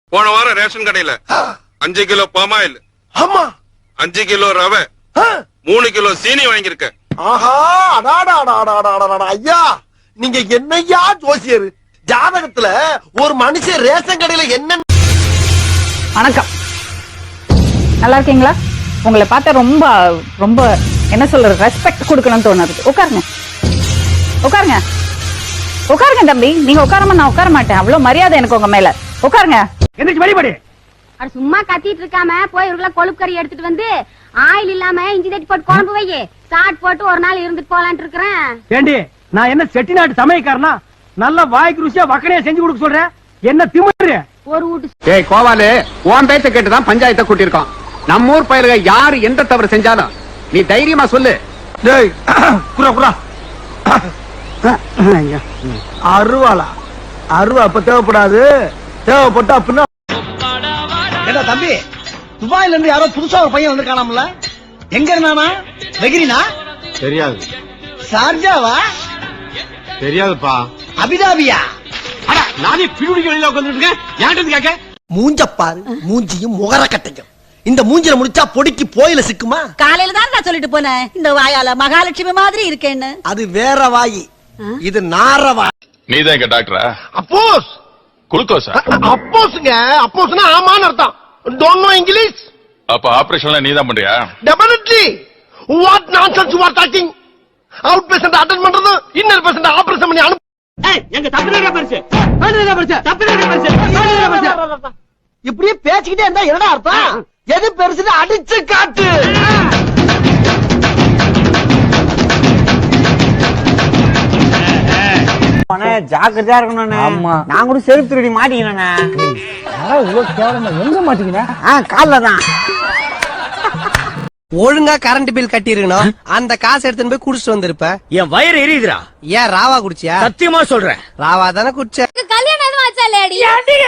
போன வாரம் ரேஷன் கடையில 5 கிலோ பாமாயில், ஆமா 5 கிலோ ரவை, 3 கிலோ சீனி வாங்கியிருக்க. ஆஹா, ஐயா நீங்க என்னையா ஜோசியர்? ஜாதகத்துல ஒரு மனுஷன் ரேஷன் கடையில என்ன? வணக்கம், நல்லா இருக்கீங்களா? உங்களை பார்த்தா ரொம்ப ரொம்ப என்ன சொல்றது, ரெஸ்பெக்ட் கொடுக்கணும்னு தோணுது. உட்காருங்க உட்காருங்க உட்காருங்க தம்பி. நீங்க உட்காராம நான் உட்கார மாட்டேன். அவ்வளவு மரியாதை எனக்கு உங்க மேல. உட்காருங்க. அது சும்மா கத்திட்டு இருக்காம போய் ஒரு கொழுப்பு கறி எடுத்துட்டு வந்து ஆயில் இல்லாம இஞ்சி தட்டி போட்டு குழம்பு வை. சாட் போட்டு ஒரு நாள் இருந்துட்டு போலான்ட்டு இருக்கிறேன். ஏண்டி, நான் என்ன செட்டிநாட்டு சமையக்காரனா? நல்ல வாய்க்கு ருசியா வக்கனையா செஞ்சு கொடுக்க சொல்றேன். என்ன திமிரு? ஒரு வீட்டு ஏய் கோவாலு, உன் பேச்ச கேட்டுதான் பஞ்சாயத்தை கூட்டியிருக்கோம். நம்ம ஊர் பயிர்க யாரு எந்த தவறு செஞ்சாலும் நீ தைரியமா சொல்லு. டேய் குரா குரா அருவாளா? அருவா அப்ப தேவைப்படாது. தேவைப்பட்டா அப்படின்னா ஏடா தம்பி, துபாயில இருந்து யாரோ புதுசா ஒரு பையன் வந்திருக்கானாம்ல? எங்க இருந்தானா? வெகிரினா? தெரியாது. சார்ஜாவா? தெரியாதுப்பா. அபிதாபியா? அட, நானே பிரிவுடிக்கு வெளியில உட்கார்ந்துருக்கேன். யார்கிட்ட கேட்க? மூஞ்சப்பாரு, மூஞ்சியும் முகர கட்டையும். இந்த மூஞ்சில முடிச்சா பொடிக்கு போயில சிக்குமா? காலையில தான் நான் சொல்லிட்டு போனேன், இந்த வாயால மகாலட்சுமி மாதிரி இருக்கேன்னு. அது வேற வாயி, இது நார வாய். நீதான் எங்க டாக்டரா? அப்போஸ் குளுக்கோஸா? அப்போஸ்ங்க. அப்போஸ்னா ஆமான்னு அர்த்தம். Don't know English? அப்ப ஆபரேஷன்ல நீதான் பண்றியா? Definitely. What nonsense you are talking? Out patient attend பண்றது, இன்னர் பேஷண்ட் ஆபரேஷன் பண்ணி அனுப்பு. எங்க தப்பினே பரிசு தப்பினே பரிசு. இப்படியே பேசிக்கிட்டே இருந்தா என்னடா அர்த்தம்? எது பெருசுன்னு அடிச்சு காட்டு. ஜாக்கிரதையா இருக்கணும். நான் கூட செருப்பு திருடி மாட்டிக்கிறேன். எங்க மாட்டிக்கிறேன்? கால்ல தான். ஒழுங்கா கரண்ட் பில் கட்டிருக்கணும். அந்த காசு எடுத்துன்னு போய் குடிச்சிட்டு வந்திருப்ப. என் வயிறு எரியுதுடா. ஏன் ராவா குடிச்சியா? சத்தியமா சொல்றேன், ராவா தானே குடிச்ச. கல்யாணம் எதுவும் ஆச்சா லேடி?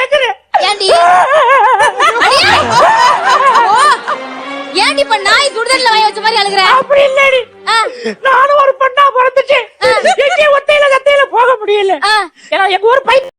ஏன்டி இப்ப நாய் சுடுதல்ல வாய் வச்ச மாதிரி அழுகுற? அப்படி இல்லடி, நானும் ஒரு பொண்ணா பிறந்துச்சு. எங்கே ஒத்தையில கத்தையில போக முடியல. ஏன்னா எங்க ஊர் பையன்.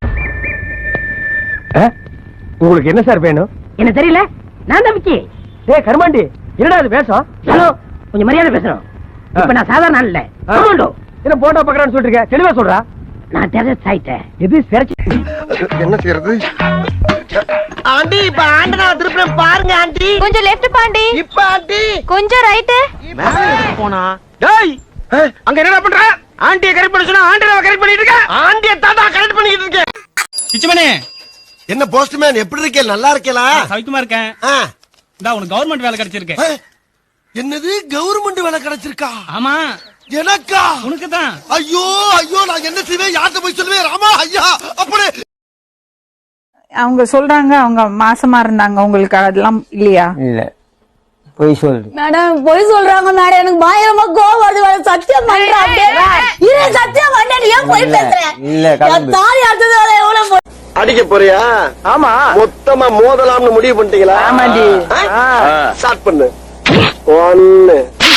உங்களுக்கு என்ன சார் வேணும்? என்ன தெரியல, நான் தம்பிக்கு. டேய் கருமாண்டி, என்னடா இது பேசம்? ஹலோ, கொஞ்சம் மரியாதை பேசுறோம். இப்ப நான் சாதாரண இல்ல, என்ன போட்டோ பாக்குறான்னு சொல்லிருக்க, தெளிவா சொல்றா. நான் டெரஸ் ஆயிட்டேன். எது சிறச்சி? என்ன செய்யறது? ஆண்டி, இப்ப ஆண்டனா திருப்பி பாருங்க ஆண்டி. கொஞ்சம் லெஃப்ட் பாண்டி. இப்ப ஆண்டி கொஞ்சம் ரைட். போனா. டேய், அங்க என்னடா பண்ற? ஆண்டியை கரெக்ட் பண்ண சொன்னா ஆண்டியை கரெக்ட் பண்ணிட்டு இருக்க. ஆண்டிய தாத்தா கரெக்ட் பண்ணிட்டு இருக்கேன். பிச்சமனே, என்ன போஸ்ட்மேன், எப்படி இருக்கே? நல்லா இருக்கேலா? சவிக்குமா இருக்கேன். இந்தா உனக்கு கவர்மெண்ட் வேலை கிடைச்சிருக்கு. என்னது கவர்மெண்ட் வேலை கிடைச்சிருக்கா? ஆமா, எனக்கா? உனக்கு தான். ஐயோ ஐயோ, நான் என்ன செய்வேன்? யார்கிட்ட போய் சொல்லுவேன்? ராமா ஐயா, அப்படி அவங்க சொல்றாங்க அவங்க மாசமா இருந்தாங்க. உங்களுக்கு அதெல்லாம் இல்லையா? இல்ல, போய் சொல்லு மேடம், பொய் சொல்றாங்க மேடம். எனக்கு பயங்கரமா கோவம் வருது மேடம். சத்தியம் பண்றேன். சத்தியம் பண்ணேன். ஏன் பொய் பேசுறேன்? தாலி அடுத்தது எவ்வளவு அடிக்க போறியா? ஆமா, மொத்தமா மோதலாம்னு முடிவு பண்ணிட்டீங்களா? ஆமாண்டி. ஸ்டார்ட் பண்ணு. 1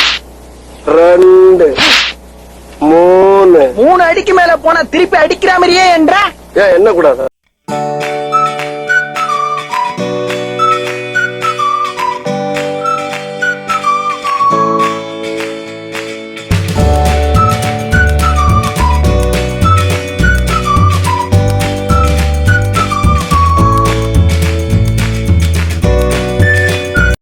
2 3 3 அடிக்கு மேல போனா திருப்பி அடிக்கிற மாதிரியே என்ற. ஏன் என்ன கூடாது?